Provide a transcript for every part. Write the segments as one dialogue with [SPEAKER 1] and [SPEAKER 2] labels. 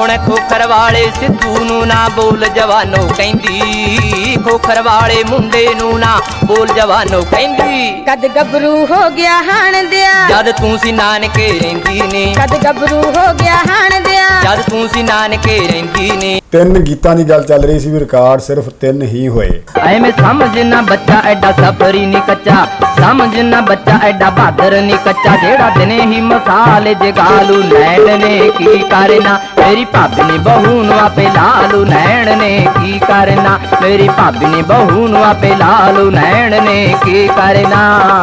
[SPEAKER 1] ਹੁਣ ਖੋਖਰ ਵਾਲੇ ਸਿੱਧੂ ਨੂੰ ਨਾ ਬੋਲ ਜਵਾਨੋ ਕਹਿੰਦੀ, ਖੋਖਰ ਵਾਲੇ ਮੁੰਡੇ ਨੂੰ ਨਾ ਬੋਲ ਜਵਾਨੋ ਕਹਿੰਦੀ।
[SPEAKER 2] ਕਦ ਗੱਭਰੂ ਹੋ ਗਿਆ ਹਾਣ ਦਿਆ,
[SPEAKER 1] ਜਦ ਤੂੰ ਸੀ ਨਾਨਕੇ ਰਹਿੰਦੀ ਨੇ,
[SPEAKER 2] ਕਦ ਗੱਭਰੂ ਹੋ ਗਿਆ ਹਾਣ ਦਿਆ,
[SPEAKER 1] ਜਦ ਤੂੰ ਸੀ ਨਾਨਕੇ ਰਹਿੰਦੀ ਨੇ।
[SPEAKER 3] 3 ਗੀਤਾਂ ਦੀ ਗੱਲ ਚੱਲ ਰਹੀ ਸੀ ਵੀ ਰਿਕਾਰਡ ਸਿਰਫ 3 ਹੀ ਹੋਏ।
[SPEAKER 1] ਐਵੇਂ ਸਮਝ ਨਾ ਬੱਚਾ ਐਡਾ ਸਫਰੀ ਨੀ ਕੱਚਾ, ਸਮਝ ਨਾ ਬੱਚਾ ਐਡਾ ਬਹਾਦਰ ਨੀ ਕੱਚਾ, ਜਿਹੜਾ ਦਿਨੇ ਹੀ ਮਸਾਲੇ ਜਗਾਲੂ ਨੈਣ ਨੇ ਕੀ ਕਰਨਾ, ਮੇਰੀ ਭਾਬੀ ਨੇ ਬਹੂ ਨੂੰ ਆਪੇ ਲਾਲੂ ਨੈਣ ਨੇ ਕੀ ਕਰਨਾ, ਮੇਰੀ ਭਾਬੀ ਨੇ ਬਹੂ ਨੂੰ ਆਪੇ ਲਾਲੂ ਨੈਣ ਨੇ ਕੀ ਕਰਨਾ।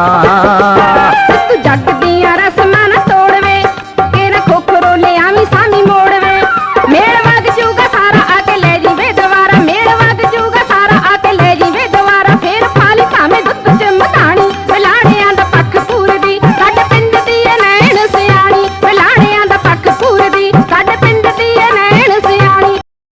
[SPEAKER 2] ਤੂੰ ਜੱਟ ਦੀਆਂ ਰਸਮਾਂ ਨਾ ਤੋੜਵੇ, ਕਿਹੜਾ ਖੋਖਰੋ ਲਿਆਵੀਂ ਸਾਮੀ ਮੋੜਵੇ, ਮੇਲ ਵਗ ਜੂਗਾ ਸਾਰਾ ਆ ਕੇ ਲੈ ਜੀਵੇ ਦੁਬਾਰਾ, ਮੇਲ ਵਗ ਜੂਗਾ ਸਾਰਾ ਆ ਕੇ ਲੈ ਜੀਵੇ ਦੁਬਾਰਾ, ਫੇਰ ਪਾਲੀ ਭਾਵੇਂ ਦੁੱਧ ਚ ਮਧਾਣੀ, ਫਲਾਣਿਆਂ ਦਾ ਪੱਖ ਪੂਰਦੀ ਸਾਡੇ ਪਿੰਡ ਦੀ ਏ ਨੈਣ ਸਿਆਣੀ, ਫਲਾਣਿਆਂ ਦਾ ਪੱਖ ਪੂਰਦੀ ਸਾਡੇ ਪਿੰਡ ਦੀ ਏ ਨੈਣ ਸਿਆਣੀ।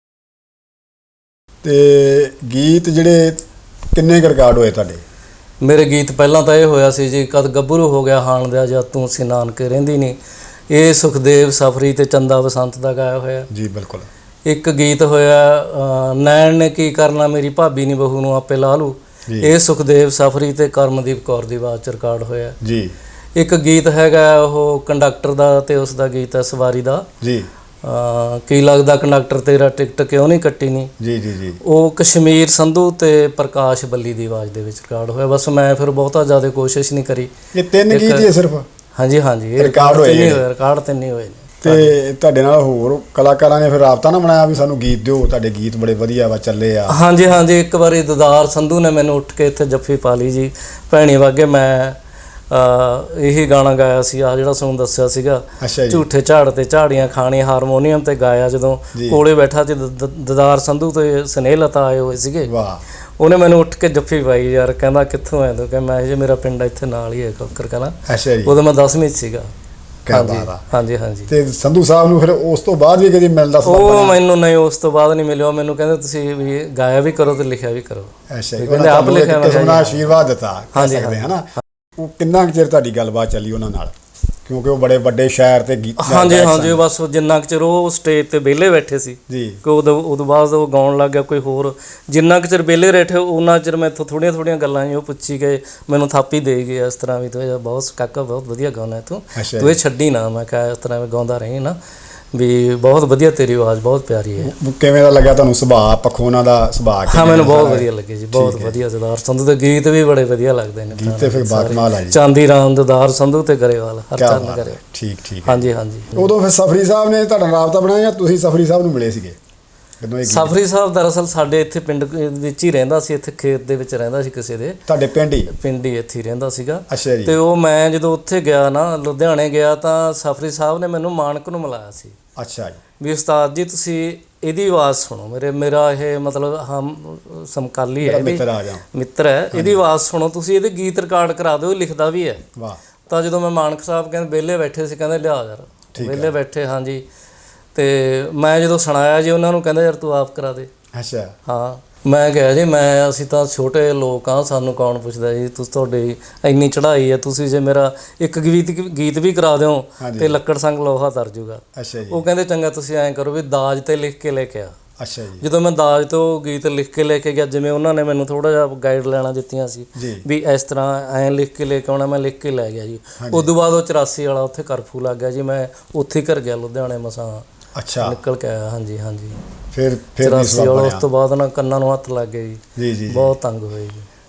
[SPEAKER 3] ਤੇ ਗੀਤ ਜਿਹੜੇ ਕਿੰਨੇ ਕੁ ਰਿਕਾਰਡ ਹੋਏ ਤੁਹਾਡੇ?
[SPEAKER 4] ਮੇਰੇ ਗੀਤ ਪਹਿਲਾਂ ਤਾਂ ਇਹ ਹੋਇਆ ਸੀ ਜੀ, ਕਦ ਗੱਭਰੂ ਹੋ ਗਿਆ ਹਾਣ ਦਿਆ, ਜਦ ਤੂੰ ਸੀ ਨਾਨਕੇ ਰਹਿੰਦੀ ਨਹੀਂ, ਇਹ ਸੁਖਦੇਵ ਸਫਰੀ ਤੇ ਚੰਦਾ ਬਸੰਤ ਦਾ ਗਾਇਆ ਹੋਇਆ
[SPEAKER 3] ਜੀ ਬਿਲਕੁਲ।
[SPEAKER 4] ਇੱਕ ਗੀਤ ਹੋਇਆ ਨੈਣ ਨੇ ਕੀ ਕਰਨਾ, ਮੇਰੀ ਭਾਬੀ ਨਹੀਂ ਬਹੂ ਨੂੰ ਆਪੇ ਲਾ ਲੂ, ਇਹ ਸੁਖਦੇਵ ਸਫਰੀ ਤੇ ਕਰਮਦੀਪ ਕੌਰ ਦੀ ਆਵਾਜ਼ 'ਚ ਰਿਕਾਰਡ ਹੋਇਆ
[SPEAKER 3] ਜੀ। ਇੱਕ
[SPEAKER 4] ਗੀਤ ਹੈਗਾ ਉਹ ਕੰਡਕਟਰ ਦਾ ਤੇ ਉਸ ਦਾ ਗੀਤ ਹੈ ਸਵਾਰੀ ਦਾ
[SPEAKER 3] ਜੀ।
[SPEAKER 4] ਕੀ ਲੱਗਦਾ ਕੰਡਕਟਰ ਤੇਰਾ ਟਿਕਟ ਕਿਉਂ ਨਹੀਂ ਕੱਟੀ ਨਹੀਂ,
[SPEAKER 3] ਜੀ ਜੀ ਜੀ।
[SPEAKER 4] ਉਹ ਕਸ਼ਮੀਰ ਸੰਧੂ ਤੇ ਪ੍ਰਕਾਸ਼ ਬੱਲੀ ਦੀ ਆਵਾਜ਼ ਦੇ ਵਿੱਚ ਰਿਕਾਰਡ ਹੋਇਆ। ਬਸ ਮੈਂ ਫਿਰ ਬਹੁਤਾ ਜ਼ਿਆਦਾ ਕੋਸ਼ਿਸ਼ ਨਹੀਂ ਕਰੀ।
[SPEAKER 3] ਇਹ 3 ਗੀਤ ਹੀ ਸਿਰਫ?
[SPEAKER 4] ਹਾਂਜੀ ਹਾਂਜੀ, ਇਹ
[SPEAKER 3] ਰਿਕਾਰਡ ਹੋਏ ਨੇ।
[SPEAKER 4] ਰਿਕਾਰਡ 3 ਹੀ ਹੋਏ ਨੇ।
[SPEAKER 3] ਤੇ ਤੁਹਾਡੇ ਨਾਲ ਹੋਰ ਕਲਾਕਾਰਾਂ ਨੇ ਫਿਰ ਰਾਬਤਾ ਨਾ ਬਣਾਇਆ ਵੀ ਸਾਨੂੰ ਗੀਤ ਦਿਓ, ਤੁਹਾਡੇ ਗੀਤ ਬੜੇ ਵਧੀਆ ਵਾ ਚੱਲੇ ਆ?
[SPEAKER 4] ਹਾਂਜੀ ਹਾਂਜੀ, ਇੱਕ ਵਾਰੀ ਦਦਾਰ ਸੰਧੂ ਨੇ ਮੈਨੂੰ ਉੱਠ ਕੇ ਇੱਥੇ ਜੱਫੀ ਪਾ ਲਈ ਜੀ, ਭੈਣੀ ਵਾਗੇ ਮੈਂ ਇਹੀ ਗਾਣਾ ਗਾਇਆ ਸੀ ਆ ਜਿਹੜਾ ਤੁਹਾਨੂੰ ਦੱਸਿਆ ਸੀਗਾ, ਝੂਠੇ ਝਾੜ ਤੇ ਝਾੜੀਆਂ ਖਾਣੀਆਂ, ਹਾਰਮੋਨੀਅਮ ਤੇ ਗਾਇਆ। ਜਦੋਂ ਕੋਲੇ ਬੈਠਾ ਸੀ ਦਦਾਰ ਸੰਧੂ ਤੇ ਸਨੇਹਲਤਾ ਆਏ ਹੋਏ ਸੀਗੇ, ਉਹਨੇ ਮੈਨੂੰ ਉੱਠ ਕੇ ਜੱਫੀ ਪਾਈ ਯਾਰ, ਕਹਿੰਦਾ ਕਿੱਥੋਂ ਆਏ ਤੂੰ? ਕਹਿੰਦਾ ਮੈਂ ਜੀ ਮੇਰਾ ਪਿੰਡ ਇੱਥੇ ਨਾਲ ਹੀ ਹੈ ਕੋਕਰ ਕਲਾਂ। ਉਦੋਂ ਮੈਂ 10ਵੀਂ 'ਚ ਸੀਗਾ। ਹਾਂਜੀ ਹਾਂਜੀ। ਤੇ
[SPEAKER 3] ਸੰਧੂ ਸਾਹਿਬ ਨੂੰ ਫਿਰ ਉਸ ਤੋਂ ਬਾਅਦ ਵੀ ਕਦੀ ਮਿਲਦਾ?
[SPEAKER 4] ਉਹ ਮੈਨੂੰ ਨਹੀਂ, ਉਸ ਤੋਂ ਬਾਅਦ ਨਹੀਂ ਮਿਲਿਆ। ਮੈਨੂੰ ਕਹਿੰਦੇ ਤੁਸੀਂ ਵੀ ਗਾਇਆ ਵੀ ਕਰੋ ਤੇ ਲਿਖਿਆ ਵੀ ਕਰੋ।
[SPEAKER 3] ਕਹਿੰਦੇ ਆਪ ਲਿਖਿਆ, ਮੈਂ ਆਸ਼ੀਰਵਾਦ ਦਿੱਤਾ ਕਹਿ ਸਕਦੇ ਹਾਂ ਨਾ। ਉਹ ਕਿੰਨਾ ਕੁ ਚਿਰ ਤੁਹਾਡੀ ਗੱਲਬਾਤ ਚੱਲੀ ਉਹਨਾਂ ਨਾਲ, ਕਿਉਂਕਿ ਉਹ ਬੜੇ ਵੱਡੇ ਸ਼ਾਇਰ ਤੇ ਗੀਤ?
[SPEAKER 4] ਹਾਂਜੀ ਹਾਂਜੀ, ਬਸ ਜਿੰਨਾ ਕੁ ਚਿਰ ਉਹ ਸਟੇਜ ਤੇ ਵਿਹਲੇ ਬੈਠੇ ਸੀ ਜੀ, ਕਿ ਉਦੋਂ ਬਾਅਦ ਉਹ ਗਾਉਣ ਲੱਗ ਗਿਆ ਕੋਈ ਹੋਰ, ਜਿੰਨਾ ਕੁ ਚਿਰ ਵਿਹਲੇ ਬੈਠੇ ਉਹਨਾਂ ਚਿਰ ਮੈਂ ਇੱਥੋਂ ਥੋੜ੍ਹੀਆਂ ਗੱਲਾਂ ਉਹ ਪੁੱਛੀ ਗਏ, ਮੈਨੂੰ ਥਾਪੀ ਦੇ ਗਏ ਇਸ ਤਰ੍ਹਾਂ ਵੀ ਤੂੰ ਬਹੁਤ ਕਾਕਾ ਬਹੁਤ ਵਧੀਆ ਗਾਉਣਾ ਤੂੰ ਇਹ ਛੱਡੀ ਨਾ। ਮੈਂ ਕਿਹਾ ਇਸ ਤਰ੍ਹਾਂ ਗਾਉਂਦਾ ਰਹੀ ਨਾ ਵੀ ਬਹੁਤ ਵਧੀਆ, ਤੇਰੀ ਆਵਾਜ਼ ਬਹੁਤ ਪਿਆਰੀ ਹੈ।
[SPEAKER 3] ਕਿਵੇਂ ਦਾ ਲੱਗਿਆ ਤੁਹਾਨੂੰ ਸੁਭਾਅ ਪੱਖੋਂ ਉਹਨਾਂ ਦਾ ਸੁਭਾਅ?
[SPEAKER 4] ਹਾਂ ਮੈਨੂੰ ਬਹੁਤ ਵਧੀਆ ਲੱਗੇ ਜੀ, ਬਹੁਤ ਵਧੀਆ। ਦਦਾਰ ਸੰਧੂ ਦੇ ਗੀਤ ਵੀ ਬੜੇ ਵਧੀਆ ਲੱਗਦੇ ਨੇ।
[SPEAKER 3] ਗੀਤ ਤੇ ਫਿਰ ਬਾਕਮਾਲ ਆ ਜੀ,
[SPEAKER 4] ਚਾਂਦੀ ਰਾਮ, ਦਦਾਰ ਸੰਧੂ ਤੇ ਗਰੇਵਾਲ, ਹਰਚਰਨ ਗਰੇਵਾਲ।
[SPEAKER 3] ਠੀਕ ਠੀਕ।
[SPEAKER 4] ਹਾਂਜੀ ਹਾਂਜੀ।
[SPEAKER 3] ਉਦੋਂ ਫਿਰ ਸਫਰੀ ਸਾਹਿਬ ਨੇ ਤੁਹਾਡਾ ਰਾਬਤਾ ਬਣਾਇਆ ਜਾਂ ਤੁਸੀਂ ਸਫਰੀ ਸਾਹਿਬ ਨੂੰ ਮਿਲੇ ਸੀਗੇ?
[SPEAKER 4] ਸਫਰੀ ਸਾਹਿਬ ਦਰਅਸਲ ਸਾਡੇ ਇੱਥੇ ਪਿੰਡ ਵਿੱਚ ਹੀ ਰਹਿੰਦਾ ਸੀ, ਇੱਥੇ ਖੇਤ ਦੇ ਵਿੱਚ ਰਹਿੰਦਾ ਸੀ ਕਿਸੇ ਦੇ।
[SPEAKER 3] ਤੁਹਾਡੇ ਪਿੰਡ ਹੀ
[SPEAKER 4] ਇੱਥੇ ਹੀ ਰਹਿੰਦਾ ਸੀਗਾ।
[SPEAKER 3] ਅੱਛਾ ਜੀ। ਤੇ
[SPEAKER 4] ਉਹ ਮੈਂ ਜਦੋਂ ਉੱਥੇ ਗਿਆ ਨਾ, ਲੁਧਿਆਣੇ ਗਿਆ, ਤਾਂ ਸਫਰੀ ਸਾਹਿਬ ਨੇ ਮੈਨੂੰ ਮਾਨਕ ਨੂੰ ਮਿਲਾਇਆ ਸੀ।
[SPEAKER 3] ਅੱਛਾ ਜੀ।
[SPEAKER 4] ਵੀ ਉਸਤਾਦ ਜੀ ਤੁਸੀਂ ਇਹਦੀ ਆਵਾਜ਼ ਸੁਣੋ, ਮੇਰਾ ਇਹ ਮਤਲਬ ਹਮ ਸਮਕਾਲੀ ਹੈ, ਮਿੱਤਰ ਹੈ, ਇਹਦੀ ਆਵਾਜ਼ ਸੁਣੋ ਤੁਸੀਂ, ਇਹਦੇ ਗੀਤ ਰਿਕਾਰਡ ਕਰਾ ਦਿਓ, ਲਿਖਦਾ ਵੀ ਹੈ।
[SPEAKER 3] ਵਾਹ।
[SPEAKER 4] ਤਾਂ ਜਦੋਂ ਮੈਂ ਮਾਨਕ ਸਾਹਿਬ ਕਹਿੰਦੇ ਵਿਹਲੇ ਬੈਠੇ ਸੀ, ਕਹਿੰਦੇ ਲਿਆ ਯਾਰ, ਵਿਹਲੇ ਬੈਠੇ ਹਾਂਜੀ, ਤੇ ਮੈਂ ਜਦੋਂ ਸੁਣਾਇਆ ਜੀ ਉਹਨਾਂ ਨੂੰ, ਕਹਿੰਦਾ ਯਾਰ ਤੂੰ ਆਪ ਕਰਾ ਦੇ।
[SPEAKER 3] ਅੱਛਾ। ਹਾਂ।
[SPEAKER 4] ਮੈਂ ਕਿਹਾ ਜੀ ਅਸੀਂ ਤਾਂ ਛੋਟੇ ਲੋਕ ਹਾਂ, ਸਾਨੂੰ ਕੌਣ ਪੁੱਛਦਾ ਜੀ, ਤੁਸੀਂ ਤੁਹਾਡੀ ਇੰਨੀ ਚੜ੍ਹਾਈ ਹੈ, ਤੁਸੀਂ ਜੇ ਮੇਰਾ ਇੱਕ ਗੀਤ ਵੀ ਕਰਾ ਦਿਓ ਤੇ ਲੱਕੜ ਸੰਗ ਲੋਹਾ ਤਰ ਜੂਗਾ।
[SPEAKER 3] ਅੱਛਾ ਜੀ।
[SPEAKER 4] ਉਹ ਕਹਿੰਦੇ ਚੰਗਾ ਤੁਸੀਂ ਐਂ ਕਰੋ ਵੀ ਦਾਜ ਤੇ ਲਿਖ ਕੇ ਲੈ ਕੇ ਆ।
[SPEAKER 3] ਅੱਛਾ ਜੀ।
[SPEAKER 4] ਜਦੋਂ ਮੈਂ ਦਾਜ ਤੋਂ ਗੀਤ ਲਿਖ ਕੇ ਲੈ ਕੇ ਗਿਆ, ਜਿਵੇਂ ਉਹਨਾਂ ਨੇ ਮੈਨੂੰ ਥੋੜਾ ਜਿਹਾ ਗਾਈਡ ਲੈਣਾ ਦਿੱਤੀਆਂ ਸੀ ਵੀ ਇਸ ਤਰ੍ਹਾਂ ਐਂ ਲਿਖ ਕੇ ਲੈ ਕੇ ਆਉਣਾ, ਮੈਂ ਲਿਖ ਕੇ ਲੈ ਗਿਆ ਜੀ। ਉਦੋਂ ਬਾਅਦ ਉਹ 84 ਵਾਲਾ ਉੱਥੇ ਕਰਫਿਊ ਲੱਗ ਗਿਆ ਜੀ, ਮੈਂ ਉੱਥੇ ਘਰ ਗਿਆ ਲੁਧਿਆਣੇ ਮਸਾਂ। ਅੱਛਾ। ਨਿਕਲ ਕੇ ਆਇਆ। ਹਾਂਜੀ ਹਾਂਜੀ। ਫਿਰ 84 ਵਾਲਾ ਉਸ ਤੋਂ ਬਾਅਦ ਨਾ ਕੰਨਾਂ ਨੂੰ ਹੱਥ ਲੱਗ ਗਏ ਜੀ, ਬਹੁਤ ਤੰਗ ਹੋਏ ਜੀ।